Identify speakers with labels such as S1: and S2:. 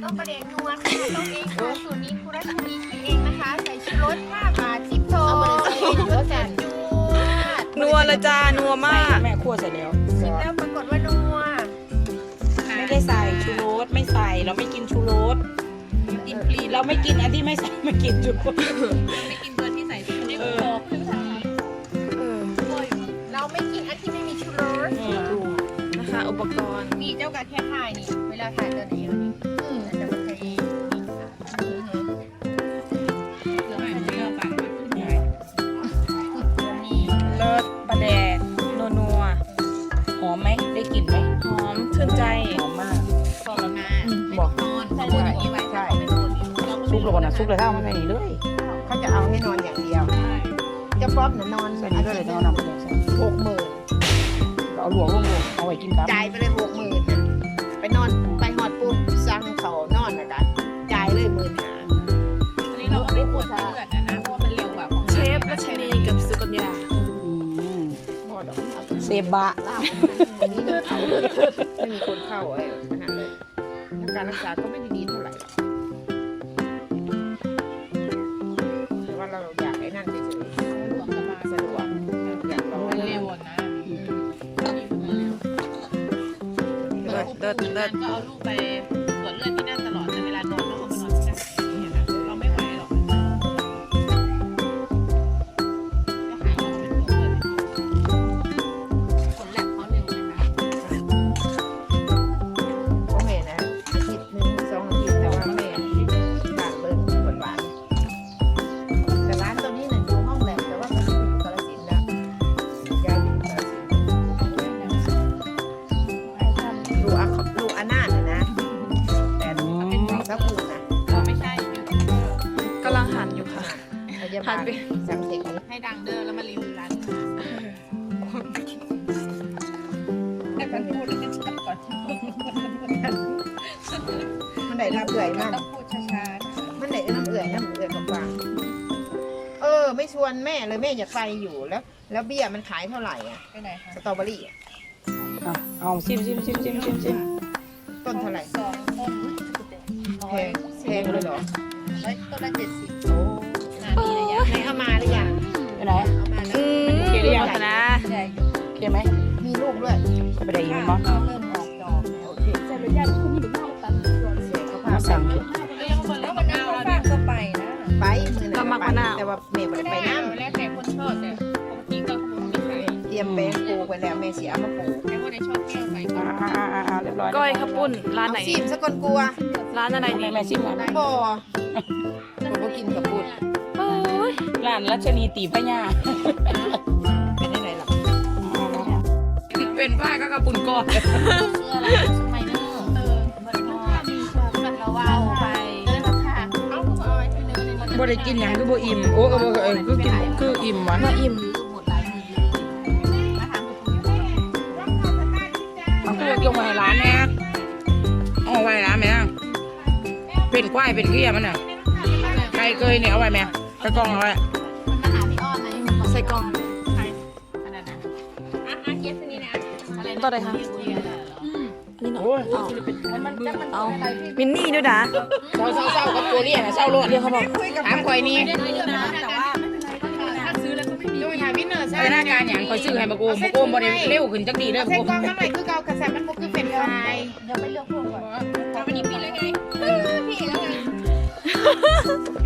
S1: ต้มปลาแดกนัวค่ะต้มเองค่ะสูตรนี้ครูรัชนีคิดเองนะคะใส่ชูรส5 บาท10 โทรสจัด
S2: นัวเลยจ้านัวมาก
S3: แม่คั่วเสร็จแล้ว
S1: ชิมแล้วปรากฏว่านัว
S3: ไม่ได้ใส่ชูรสไม่ใส่เราไม่กินชูรสกินปลีเราไม่กินอันที่ไม่ใส่ไม่กินชูรส
S4: ไม่กินตัวที่ใส่ที่ไม่พอ
S1: เราไม่กินอันที่ไม่มีชูรส
S2: นะคะ อุปกรณ์
S1: มีเจ้ากับแค่ถ่ายนี่เวลาถ่ายตัวนี้นี่จะมาใช้นี่ค่ะ
S4: เหลือไม่เชื่อปากมันขึ้นใหญ่
S1: นี่
S3: เลิศปลาแดกนัวหอมไหมได้กลิ่นไหม
S2: หอมชื่นใจ
S3: หอมมาก
S4: บอกแล้วนะ
S3: บอก
S4: นอนใช่ใช่ไว้ใช่
S3: ซุปแล้วก่อนนะซุปเลยเท่ามาใส่นี่เลย
S1: เขาจะเอาให้นอนอย่างเดียวจะป๊อปนอน
S3: ใส่นี่เลยเท่าน้ำปลาแดกใส่
S1: 60,000
S3: เอาหลวงเอาไว้กินครับ
S1: จ่ายไปเลย60,000ไปนอนไปหอดปุ๊บสั่งเขานอนนะกันจ่ายเลย15,000
S4: อันนี้เราไม่ปวดเลือดนะเพราะมันเร็วกว่าของ
S2: เชฟรัชนีกับสุกัญญา
S3: เซบะ
S1: อันนี้เดินเขาไม่มีคนเข้าไอ้ขนาดเลยแล้วการรักษาก็ไม่ได้ดีเท่าไหร่หรอกแต่ว่าเราอยากไอ้นั่นเฉย
S4: หลวงสบาย
S1: ๆสะดวกอยากลอง
S4: มันเร็วนะ
S2: เลิศเลิศเลิศ
S4: ก็เอาลูกไปตรวจเลือดที่นั่นตลอดแต่เวลานอนต้องเอาไปนอนที่นั่นเราไม่ไหวหรอกก็หาเอาไปตรวจเลือดผลแลบเขาเร็วนะคะ
S1: โอเคนะอาทิตย์หนึ่ง2 อาทิตย์แต่ว่าแม่บานเบิ้งหวานๆแต่ร้านตัวนี้เนี่ยอยู่ห้องแลบแต่ว่ามันอยู่กาฬสินธุ์นะย้ายไปอยู่กาฬสินธุ์ลูกอานาถนะแต่เป็นของซับปูนะ
S4: ไม่ใช่อยู่ที่
S2: กำลังหันอยู่ค่ะ
S1: พยาบาลสังเกต
S4: ให้ดังเด้อแล้วมารีวิวร้านให้มันพูดแล้วกันชัดก่อน
S1: มันได้น้ำเอื่อยมาก
S4: ต้องพูดช้า
S1: มันได้น้ำเอื่อยกับฟางไม่ชวนแม่เลยแม่อยากไปอยู่แล้วเบี้ยมันขายเท่าไหร่อ่ะ
S4: ๆไปไหนคะ
S1: สตรอเบอรี่อะ
S3: เอาซิม
S1: ต้นเท่าไหร่
S4: 2 ต้น
S1: แพงเลยเหรอ
S4: แล้วต้นละ70
S1: โอ้
S4: นาทีระยะ
S1: ไหนเอามาหรือยัง
S3: ไปไหน
S4: เอามาแล้ว
S3: โอเคหรือยัง
S2: นะ
S4: ใหญ่
S3: โอเคไหม
S1: มีลูกด้วย
S3: ไปได้ยิน
S4: ข้าว
S3: มั้ง
S4: ก็เริ่มออกดอกแล้ว
S1: โอเคเสียเขาพา
S3: มา
S1: ไป
S3: สั่ง
S4: แล้ววันนั้นป้าก็ไปนะ
S1: ไปมือหนึ่งแต่ว่าแม่ไม่ได้ไปน้
S4: แล้วแต่คนชอบแต่ปกติก็คงไม่ใช่
S1: ำเตรียมแป้งปูไปแล้วแม่เสียเอามาปู
S4: แต่ว่าในชอบแก้วไปก็
S3: เรียบร้อย
S2: ก้อยข้าวปุ้นร้านไหน
S1: ซีมสกลกลัว
S2: ร้านอะไรนี่
S3: แม่ซิมร้าน
S1: บ่ผมก็กินกับปุด
S2: โอ้ย
S3: ร้านรัชนีตีพญา
S1: เป็นยังไงล่ะ
S3: เป็นผ้าก็กระปุนก้อน
S4: เสื้ออะไรชุดไมเนอร์มันก็มีแบบเราว้าวไปเลยราคาเอาเอาไว้ที่เนื้อในมัน
S3: บ่ได้กินอย่างคือบ่อิ่มโอ้คือกินคืออิ่มวะ
S2: น่าอิ่ม
S4: หมดหลายมือมาทำ
S3: เอาคือยกมาให้ร้านแม่เอาไว้ร้านแม่เป็นควายเป็นเกี้ยมันน่ะไก่เกยเนี่ยเอาไว้แม่กระกองเอาไว้
S4: มาหาพี่อ้อนนะ
S2: ใส่กล่อง
S4: อันนั้นนะเย็บนี่นะอะไร
S2: ตัวไหนคะนี่เนาะ
S3: โอ้ย
S2: เอามินนี่ด้วยนะ
S3: เศร้ากับตัวเรียกนะเศร้าโลด
S2: เดี๋ยวเขาบอก
S3: ถามข่อยนี่
S4: แต่ว่าไม่เป็นไรถ้าซื้อแล้วก็ไม่มี
S1: ดูหาวินเนอร์ใช่
S3: พัฒนาการอย่างข่อยซื้อให้มาโกมบ่ได้เร็วขึ้นจักดีเด้อ
S1: ใส่
S3: บ่
S1: กล่องมาใหม่คือเก่ากระแสมันบ่คือเป็นไฟ
S4: ยังไม่เลือกพวกก่อนวันนี้ปิดเลยไงพี่แล้วไง